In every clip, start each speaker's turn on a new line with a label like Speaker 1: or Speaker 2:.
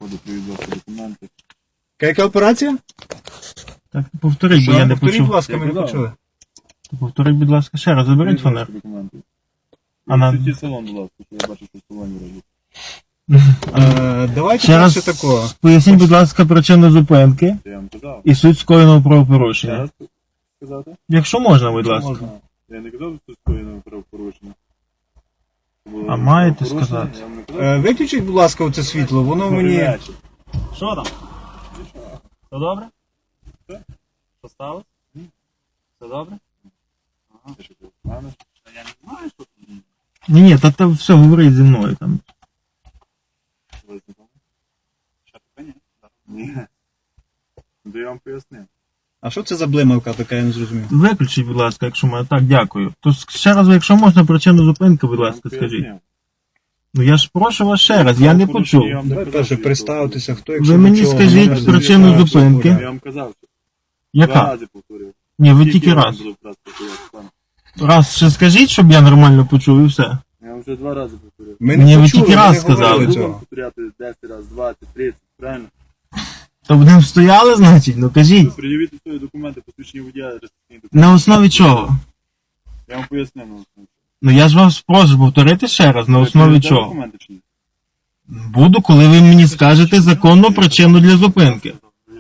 Speaker 1: заходу, привіз ваші документи.
Speaker 2: Яка операція?
Speaker 3: Так, повторіть, бо я не
Speaker 2: Повторіть, будь
Speaker 3: почув.
Speaker 2: ласка, ми не
Speaker 1: Я казав.
Speaker 2: почули.
Speaker 3: Повторіть, будь ласка, ще раз, заберіть
Speaker 1: Привіз
Speaker 3: фонар.
Speaker 1: ваші документи.
Speaker 3: А на-
Speaker 1: Світі салон, будь ласка, що я бачу, що в салоні робить.
Speaker 2: Давайте
Speaker 3: Ще раз
Speaker 2: перше такого.
Speaker 3: поясніть, будь ласка, причину зупинки
Speaker 1: Це я вам казав.
Speaker 3: і суть скоєного
Speaker 1: Ще
Speaker 3: правопорушення.
Speaker 1: раз сказати?
Speaker 3: Якщо можна, будь ласка.
Speaker 1: Можна. Я не казав, що скоєно правопорушення. Це було
Speaker 3: А маєте
Speaker 1: правопорушення,
Speaker 3: сказати?
Speaker 1: я вам не казав.
Speaker 2: Виключіть, будь ласка, оце світло, воно
Speaker 1: Добрий
Speaker 2: мені...
Speaker 1: вечір.
Speaker 3: Що там? Все добре?
Speaker 1: Все.
Speaker 3: Що сталося? Все добре?
Speaker 1: Ти що, ти знаєш?
Speaker 3: Я не знаю, що там. Ні, та все, говорить зі мною там.
Speaker 1: Ви знайомі? Що, таке ні? Ні. Ну, то я вам пояснив.
Speaker 2: А що це за блимавка така, я не зрозумів?
Speaker 3: Виключіть, будь ласка, якщо можна. Так, дякую. То ще раз, якщо можна, причину зупинки, будь ласка,
Speaker 1: Я вам
Speaker 3: скажіть.
Speaker 1: пояснив.
Speaker 3: Ну я ж прошу вас ще раз, я не почув.
Speaker 1: Я вам не
Speaker 2: Давай
Speaker 1: казав,
Speaker 2: перше
Speaker 1: що я
Speaker 2: представитися, хто
Speaker 3: Ви
Speaker 2: якщо
Speaker 3: мені
Speaker 2: нічого,
Speaker 3: скажіть
Speaker 2: може,
Speaker 3: причину
Speaker 2: не
Speaker 3: зупинки.
Speaker 1: Я вам казав, що два
Speaker 3: Яка?
Speaker 1: рази повторив.
Speaker 3: Ні, ви
Speaker 1: Скільки
Speaker 3: тільки
Speaker 1: я вам
Speaker 3: раз.
Speaker 1: буду раз повторяти, пане?
Speaker 3: Раз ще скажіть, щоб я нормально почув і все.
Speaker 1: Я вам вже два рази повторив.
Speaker 2: Ми
Speaker 3: Ні,
Speaker 2: не
Speaker 3: ви
Speaker 2: почули,
Speaker 3: тільки
Speaker 2: ми
Speaker 3: раз
Speaker 2: не
Speaker 3: сказали.
Speaker 2: говорили
Speaker 1: Буду вам
Speaker 2: цього.
Speaker 1: повторяти 10 разів, 20, 30, правильно?
Speaker 3: То будемо стояли, значить? Ну кажіть.
Speaker 1: Пред'явіть свої документи, посвідчення водія, реєстраційні документи.
Speaker 3: На основі чого?
Speaker 1: Я вам пояснив на основі.
Speaker 3: Ну я ж вас прошу повторити ще раз, на
Speaker 1: Ви
Speaker 3: основі
Speaker 1: передаєте
Speaker 3: чого?
Speaker 1: документи чи ні?
Speaker 3: Буду, коли ви мені скажете законну причину для зупинки.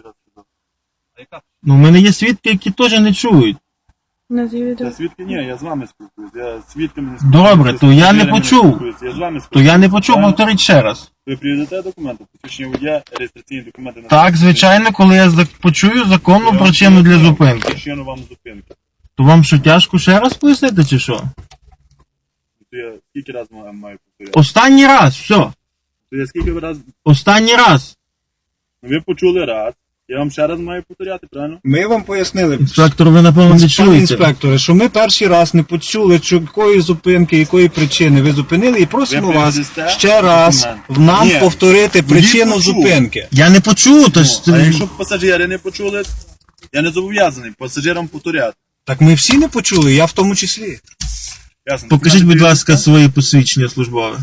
Speaker 3: Ну, в мене є свідки, які теж не чують.
Speaker 1: Я свідки? Ні, я з вами спілкуюсь. Я з свідками не спілкуюсь.
Speaker 3: Добре, то я не
Speaker 1: з пасажирами
Speaker 3: почув.
Speaker 1: спілкуюсь. Я з вами
Speaker 3: То
Speaker 1: спілкуюсь.
Speaker 3: я не почув,
Speaker 1: Правильно?
Speaker 3: повторіть ще раз.
Speaker 1: Ви приведете документи, посвідчення водія, реєстраційні документи. на
Speaker 3: Так, звичайно, коли я почую законну причину для зупинки.
Speaker 1: Причину вам зупинки.
Speaker 3: То вам що, тяжко ще раз пояснити, чи що?
Speaker 1: То я скільки разів маю повторяти?
Speaker 3: Останній раз, все.
Speaker 1: То я скільки разів...
Speaker 3: Останній раз.
Speaker 1: Ви почули раз. Я вам ще раз маю повторяти, правильно?
Speaker 2: Ми вам пояснили,
Speaker 3: Інспектор, ви напевно не
Speaker 2: пане
Speaker 3: чуєте.
Speaker 2: інспекторе, що ми перший раз не почули, якої зупинки, якої причини ви зупинили, і просимо
Speaker 1: Ви
Speaker 2: вас
Speaker 1: передасте
Speaker 2: ще раз
Speaker 1: документи?
Speaker 2: нам
Speaker 1: Ні.
Speaker 2: повторити причину
Speaker 1: почув.
Speaker 2: зупинки.
Speaker 3: Я не почув, то ж...
Speaker 1: Ну, а якщо пасажири не почули, я не зобов'язаний пасажирам повторяти.
Speaker 2: Так ми всі не почули, я в тому числі.
Speaker 1: Ясно?
Speaker 3: Покажіть, будь
Speaker 1: Документи
Speaker 3: ласка, свої посвідчення службове.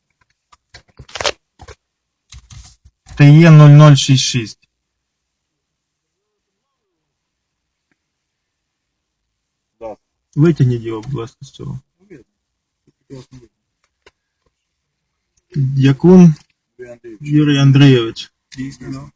Speaker 3: ТЕ 0066.
Speaker 1: Да.
Speaker 3: Витягніть його, будь ласка, з цього. Дякун
Speaker 1: Ви, Андрій,
Speaker 3: Юрій Андрійович.
Speaker 2: Дійсно.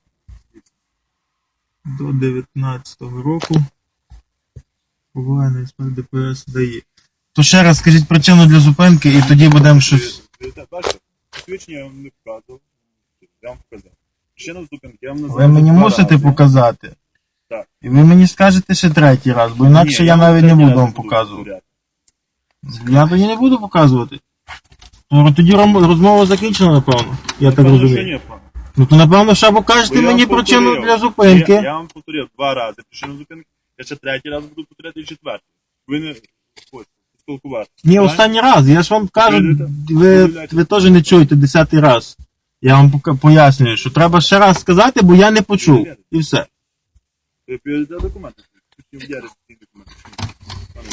Speaker 3: До 19-го року. Повинен інспектор ДПС дає. То ще раз скажіть причину для зупинки і тоді будемо щось...
Speaker 1: Бачите, посвідчення я вам не показував. Я вам показав. Причина зупинки, я вам назвав.
Speaker 3: Ви мені
Speaker 1: два
Speaker 3: мусите
Speaker 1: рази.
Speaker 3: показати.
Speaker 1: Так.
Speaker 3: І ви мені скажете ще третій раз, бо інакше
Speaker 1: Ні,
Speaker 3: я
Speaker 1: вам
Speaker 3: навіть не
Speaker 1: третій
Speaker 3: буду
Speaker 1: раз
Speaker 3: вам показувати.
Speaker 1: повторяти.
Speaker 3: Я тоді не буду показувати. Ну, тоді розмова закінчена, напевно. Я так
Speaker 1: Напевно, що
Speaker 3: розумію.
Speaker 1: ні, пане.
Speaker 3: Ну то напевно ще покажете
Speaker 1: Бо я
Speaker 3: мені
Speaker 1: вам
Speaker 3: причину
Speaker 1: повторив.
Speaker 3: для зупинки.
Speaker 1: Я вам повторив два рази причину зупинки. Я ще третій раз буду повторяти і четвертий. Ви не хочете спілкуватися.
Speaker 3: Ні,
Speaker 1: Правильно?
Speaker 3: останній раз. Я ж вам кажу, ви
Speaker 1: Подивляйтесь.
Speaker 3: теж не чуєте 10-й раз. Я вам пояснюю, що треба ще раз сказати, бо я не почув. І все.
Speaker 1: Ви передаєте документи. Я реєстраційні документи. Пане,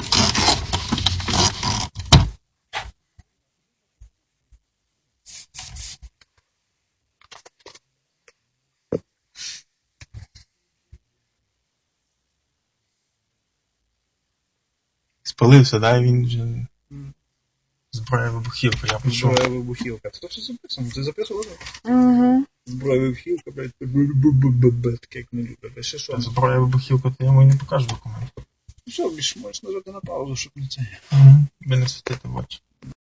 Speaker 3: Спалився, да, він вже... Зброя вибухівка, я почув.
Speaker 2: Зброя вибухівка. Це все записано, ти записував?
Speaker 4: Угу.
Speaker 2: Зброя вибухівка, блядь, таке як не любить. Ще що?
Speaker 3: Зброя вибухівка, то я йому і не покажу документ.
Speaker 2: Все, більш можеш нажати на паузу, щоб не це.
Speaker 3: Ви не світите в очі.